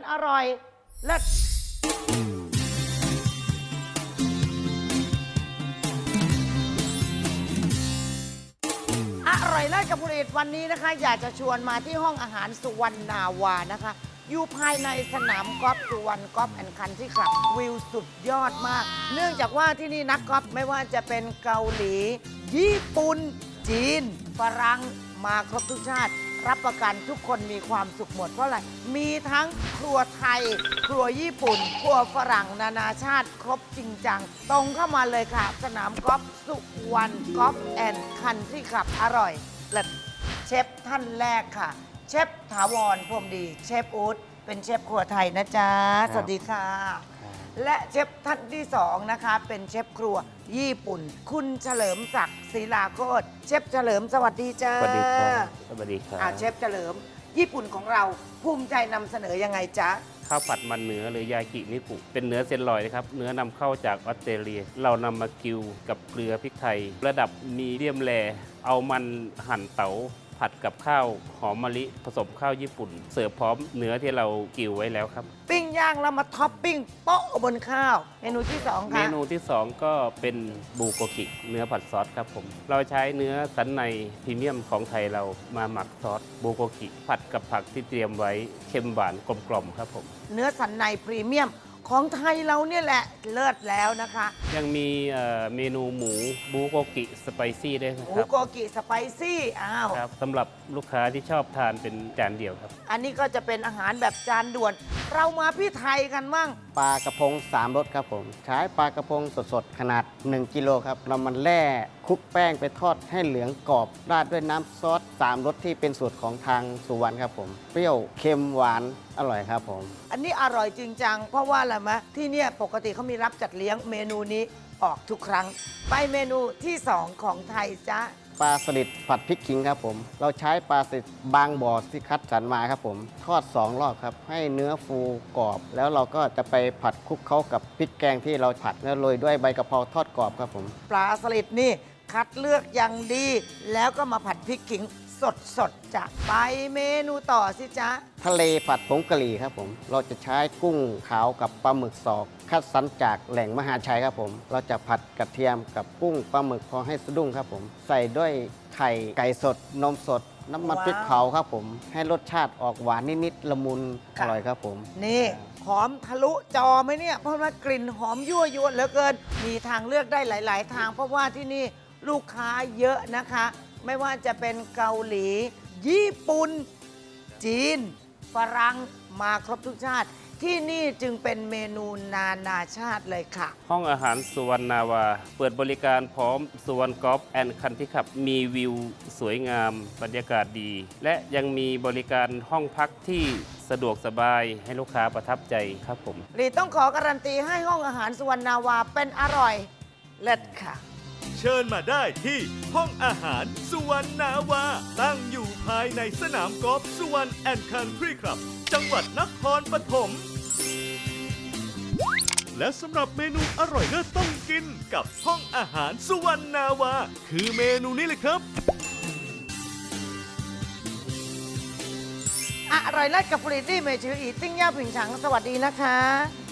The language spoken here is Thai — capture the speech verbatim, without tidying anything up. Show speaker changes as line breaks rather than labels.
อร่อยเลิศอร่อยเลิศกับผลิตวันนี้นะคะ อยากจะชวนมาที่ห้องอาหารสุวรรณาวานะคะอยู่ภายในสนามกอล์ฟสุวรรณกอล์ฟแอนด์คันทรีคลับวิวสุดยอดมาก เนื่องจากว่าที่นี่นักกอล์ฟไม่ว่าจะเป็นเกาหลี ญี่ปุ่น จีน ฝรั่งมาครบทุกชาติ รับประกันทุกคนมีความสุขหมดเพราะอะไร มีทั้งครัวไทย ครัวญี่ปุ่น ครัวฝรั่งนานาชาติครบจริงจัง ตรงเข้ามาเลยค่ะ สนามกอล์ฟสุวรรณกอล์ฟแอนด์คันทรีคลับอร่อยเลิศเชฟท่านแรกค่ะ เชฟถาวรพรหมดีเชฟอู๊ดเป็นเชฟครัวไทยนะจ๊ะ สวัสดีค่ะ และเชฟท่านที่สองนะคะเป็นเชฟครัวญี่ปุ่น คุณเฉลิมศักดิ์ศิลาโคตรเชฟเฉลิมสวัสดีจ้า
สวัสดีครับสวัสดีครับ
อ่าเชฟเฉลิม ญี่ปุ่นของเราภูมิใจนำเสนอยังไงจ๊ะ
ข้าวผัดมันเนื้อหรือยากินิปุเป็นเนื้อเซนลอยนะครับเนื้อนำเข้าจากออสเตรเลีย เรานำมากิวกับเกลือพริกไทย ระดับมีเดียมแรเอามันหั่นเต๋าผัดกับข้าวหอมมะลิผสมข้าวญี่ปุ่น เสิร์ฟพร้อมเนื้อที่เรากิวไว้แล้วครับ
ปิ้งย่างแล้วมาท็อปปิ้งโป๊ะบนข้าว เมนูที่สอง
เม
ค่ะ
นูที่สองก็เป็นบูโกกิเนื้อผัดซอสครับผม เราใช้เนื้อสันในพรีเมียมของไทยเรามาหมักซอสบูโกกิผัดกับผักที่เตรียมไว้เค็มหวานกลมกล่อมครับผม
เนื้อสันในพรีเมียมของไทยเราเนี่ยแหละเลิศแล้วนะคะ
ยังมีเอ่อเมนูหมูบูโกกิสไปซี่ด้วยนะ
หมู
ครับ
โกกิสไปซี่อ้าว
ครับสำหรับลูกค้าที่ชอบทานเป็นจานเดียวครับ
อันนี้ก็จะเป็นอาหารแบบจานด่วน เรามาพี่ไทยกันมั่ง
ปลากระพงสามรสครับผม ใช้ปลากระพงสดๆ ขนาด หนึ่ง กิโลครับเรามันแล่คลุกแป้งไปทอดให้เหลืองกรอบ ราดด้วยน้ำซอสสามรสที่เป็นสูตรของทางสุวรรณครับผม เปรี้ยวเค็มหวานอร่อยครับผม
อันนี้อร่อยจริงจังเพราะว่าอะไรมะที่เนี่ยปกติเขามีรับจัดเลี้ยงเมนูนี้ออกทุกครั้ง ไปเมนูที่สองของไทยจ้ะ
ปลาสลิดผัดพริกขิงครับผม เราใช้ปลาสลิดบางบ่อที่คัดสรรมาครับผม ทอดสองรอบครับ ให้เนื้อฟูกรอบ แล้วเราก็จะไปผัดคลุกเข้ากับพริกแกงที่เราผัดแล้วโรยด้วยใบกะเพราทอดกรอบครับผม
ปลาสลิดนี่คัดเลือกอย่างดี แล้วก็มาผัดพริกขิงสดสดๆจะไปเมนูต่อสิจ๊ะ
ทะเลผัดผงกะหรี่ครับผม เราจะใช้กุ้งขาวกับปลาหมึกสอกคัดสรรจากแหล่งมหาชัยครับผม เราจะผัดกระเทียมกับกุ้งปลาหมึกพอให้สะดุ้งครับผม ใส่ด้วยไข่ไก่สด นมสด น้ำมันพริกเผาครับผม ให้รสชาติออกหวานนิดๆละมุนอ
ค่ะ
ร่อยครับผม
นี่หอมทะลุจอไหมเนี่ย เพราะว่ากลิ่นหอมยั่วยวนเหลือเกิน มีทางเลือกได้หลาย ๆ ทาง เพราะว่าที่นี่ลูกค้าเยอะนะคะ ไม่ว่าจะเป็นเกาหลี ญี่ปุ่น จีน ฝรั่งมาครบทุกชาติ ที่นี่จึงเป็นเมนูนานาชาติเลยค่ะ
ห้องอาหารสุวรรณาวา เปิดบริการพร้อมสุวรรณกอล์ฟแอนด์คันทรีคลับมีวิวสวยงามบรรยากาศดี และยังมีบริการห้องพักที่สะดวกสบายให้ลูกค้าประทับใจครับผม
รีต้องขอการันตีให้ห้องอาหารสุวรรณาวาเป็นอร่อยเลิศค่ะ
เชิญมาได้ที่ห้องอาหารสุวรรณนาวา ตั้งอยู่ภายในสนามกอล์ฟสุวรรณแอนด์คันทรีคลับ จังหวัดนครปฐมและสำหรับเมนูอร่อยเลิศต้องกินกับห้องอาหารสุวรรณนาวา คือเมนูนี้เลยครับ
อร่อยเลิศกับผลิตที่เมชืออีติ้งย่าผิงฉังสวัสดีนะคะ